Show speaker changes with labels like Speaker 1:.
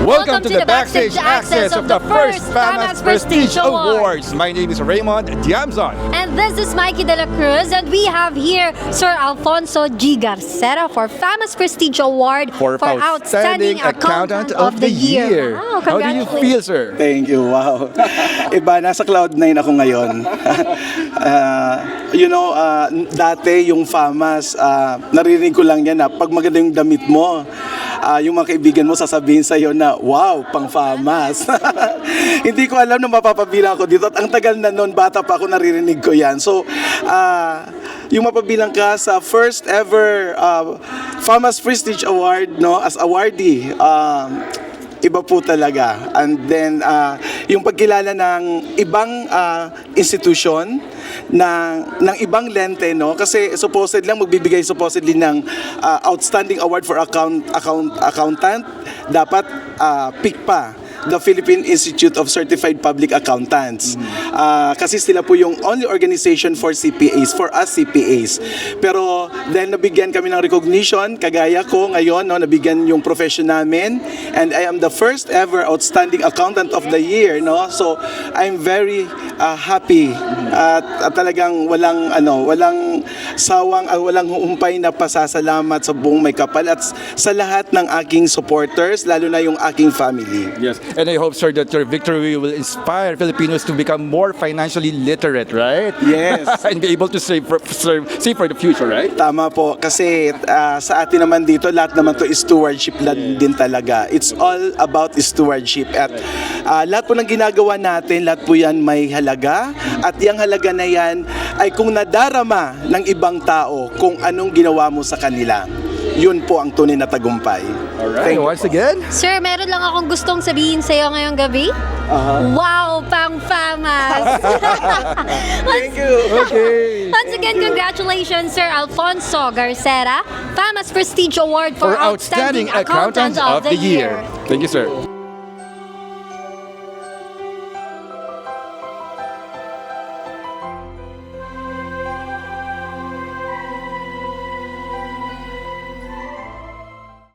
Speaker 1: Welcome to the backstage access of the first FAMAS Prestige Awards. My name is Raymond Diamzon.
Speaker 2: And this is Mikey De La Cruz, and we have here Sir Alfonso G. Garcera for FAMAS Prestige Award
Speaker 1: For Outstanding Accountant of the Year.
Speaker 2: Wow,
Speaker 1: How do you feel, sir?
Speaker 3: Thank you, wow. Iba, nasa Cloud9 ako ngayon. Dati yung FAMAS, naririnig ko lang yan na pag maganda yung damit mo, yung mga kaibigan mo sasabihin sa'yo na, wow, pang FAMAS. Hindi ko alam na mapapabilang ako dito. At ang tagal na noon, bata pa ako, naririnig ko yan. So, yung mapabilang ka sa first ever FAMAS Prestige Award, no, as awardee, iba po talaga. And then, yung pagkilala ng ibang institution, ng ibang lente, no? Kasi supposedly lang magbibigay supposedly ng outstanding award for accountant, dapat PICPA, the Philippine Institute of Certified Public Accountants. Kasi sila po yung only organization for CPAs, for us CPAs. Pero dahil nabigyan kami ng recognition, kagaya ko ngayon, no, nabigyan yung profession namin, and I am the first ever outstanding accountant of the year, no? So I'm very happy at talagang walang sawang, walang humpay na pasasalamat sa buong may kapal at sa lahat ng aking supporters, lalo na yung aking family.
Speaker 1: Yes, and I hope, sir, that your victory will inspire Filipinos to become more financially literate, right?
Speaker 3: Yes.
Speaker 1: And be able to save for the future, right?
Speaker 3: Tama po, kasi sa atin naman dito, lahat naman to is stewardship din talaga. It's all about stewardship. At lahat po ng ginagawa natin, lahat po yan may halaga. At yung halaga na yan ay kung nadarama ng ibang tao kung anong ginawa mo sa kanila. Yun po ang tunay na tagumpay.
Speaker 1: Alright, once again.
Speaker 2: Sir, meron lang akong gustong sabihin sa'yo ngayong gabi. Wow, pang FAMAS!
Speaker 3: Thank you.
Speaker 1: Okay.
Speaker 2: Once again, congratulations, Sir Alfonso Garcera, FAMAS Prestige Award for
Speaker 1: For Outstanding Accountant of the Year. Thank you, sir.